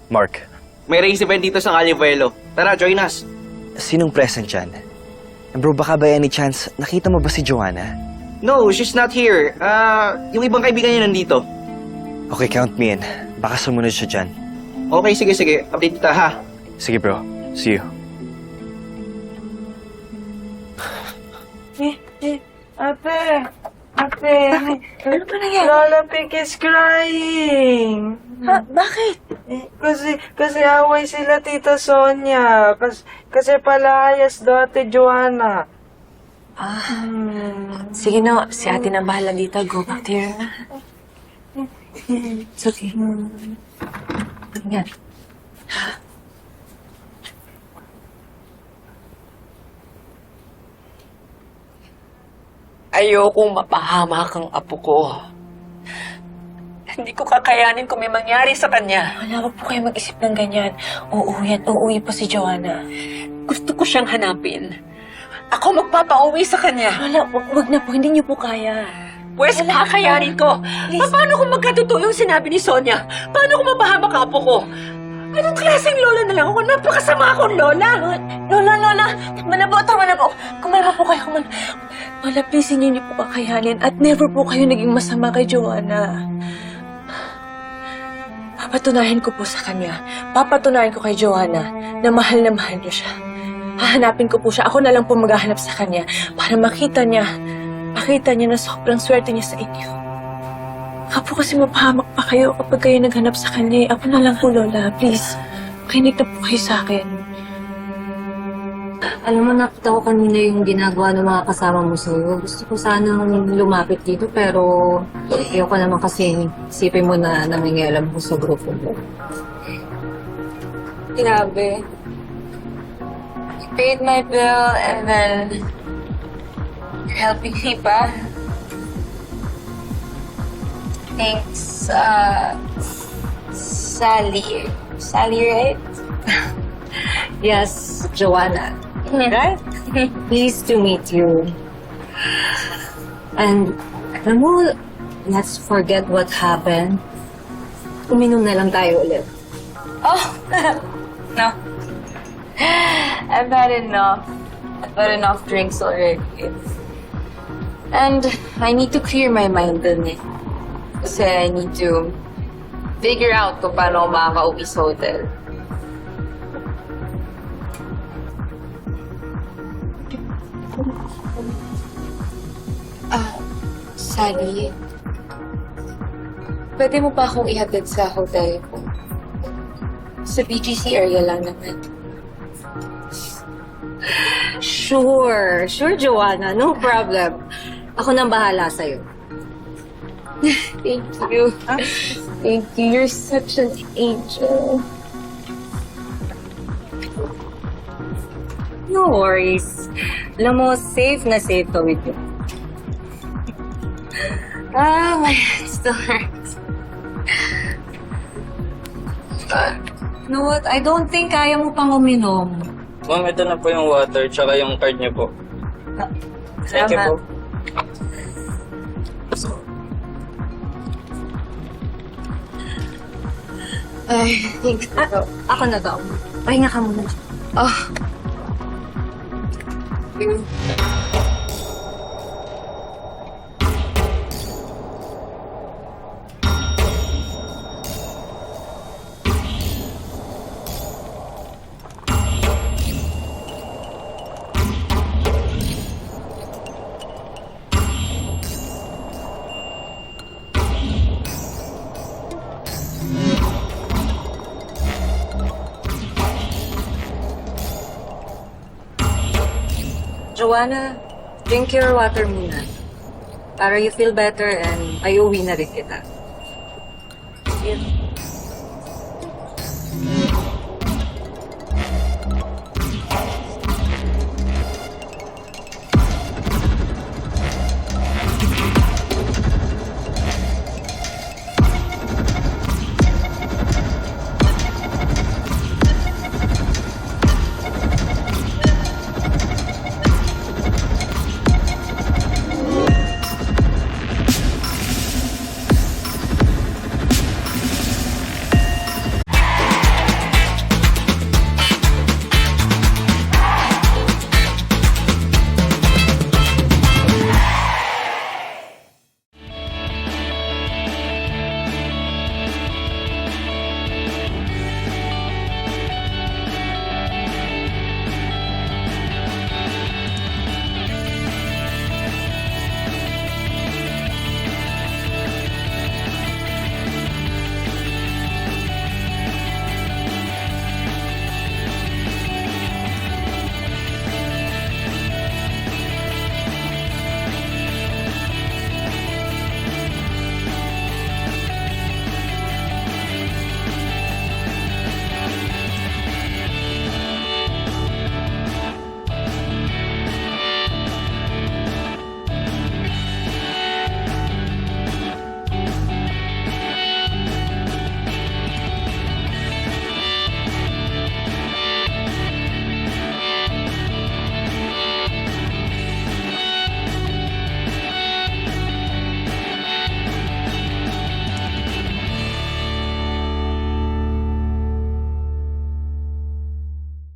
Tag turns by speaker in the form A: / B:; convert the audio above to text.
A: Mark.
B: May race event dito sa Calivuelo. Tara, join us.
A: Sinong present dyan? Bro, baka by any chance, nakita mo ba si Joanna?
B: No, she's not here. Yung ibang kaibigan niya nandito.
A: Okay, count me in. Baka sumunod siya dyan.
B: Okay, sige. Update kita, ha?
A: Sige bro, see you.
C: Ate,
D: Ano ba nangyari?
C: Lola Pink is crying.
D: Ha? Bakit?
C: Kasi away sila Tita Sonia. Kasi palayas daw Ate Joanna.
D: Sige no, si ate na bahala dito. Go back to your... It's okay. Yan.
E: Ayokong mapahamak ang apo ko. Hindi ko kakayanin kung may mangyari sa kanya.
D: Wala ko po kayo mag-isip ng ganyan. Uuwi po si Joanna.
E: Gusto ko siyang hanapin. Ako magpapauwi sa kanya.
D: Wala, wag na po. Hindi niyo po kaya.
E: Pwes, kakayanin ko. Paano kung magkatotoo yung sinabi ni Sonia? Paano kung mapahamak ang apo ko? Anong klaseng lola na lang ako? Napakasama akong lola.
D: Lola! Tama na po. Kumalma po kayo. Lola, please, hindi niyo po kakayanin. At never po kayo naging masama kay Joanna. Papatunayan ko po sa kanya. Papatunayan ko kay Joanna na mahal niyo siya. Hahanapin ko po siya. Ako na lang po maghahanap sa kanya para makita niya na sobrang swerte niya sa inyo. Baka po kasi mapahamak pa kayo kapag kayo naghanap sa kanya. Ako na lang po, Lola. Please, makinig na po kayo sa akin.
F: Alam mo, nakita ko kanina yung ginagawa ng mga kasama mo sa'yo. Gusto ko sanang lumapit dito, pero ayoko naman kasi isipin mo na nangingialam ko sa grupo mo.
D: Grabe. You paid my bill and then you're helping me pa. Thanks, Sally. Sally, right?
F: Yes, Joanna. Right? Pleased to meet you. And, alam mo, let's forget what happened. Uminom na lang tayo ulit.
D: Oh, no. I've had enough. I've had enough drinks already. And I need to clear my mind dun eh. Kasi I need to figure out kung paano ako makaka-uwi sa hotel. Sally, pwede mo pa akong ihatid sa hotel ko? Sa BGC area lang naman.
F: Sure, Joanna. No problem. Ako nang bahala sa'yo.
D: Thank you. Thank you. You're such an angel.
F: No worries. Alam mo, safe na safe ka with you.
D: My head still hurts.
F: You know what? I don't think kaya mo pang uminom.
G: Ma'am, ito na po yung water, tsaka yung card niyo po. Thank you po.
D: Ay, thanks.
F: Ako na daw. Pahinga ka muna.
D: Oh.
F: Joanna, drink your water muna. Para you feel better and ay uwi na rin kita.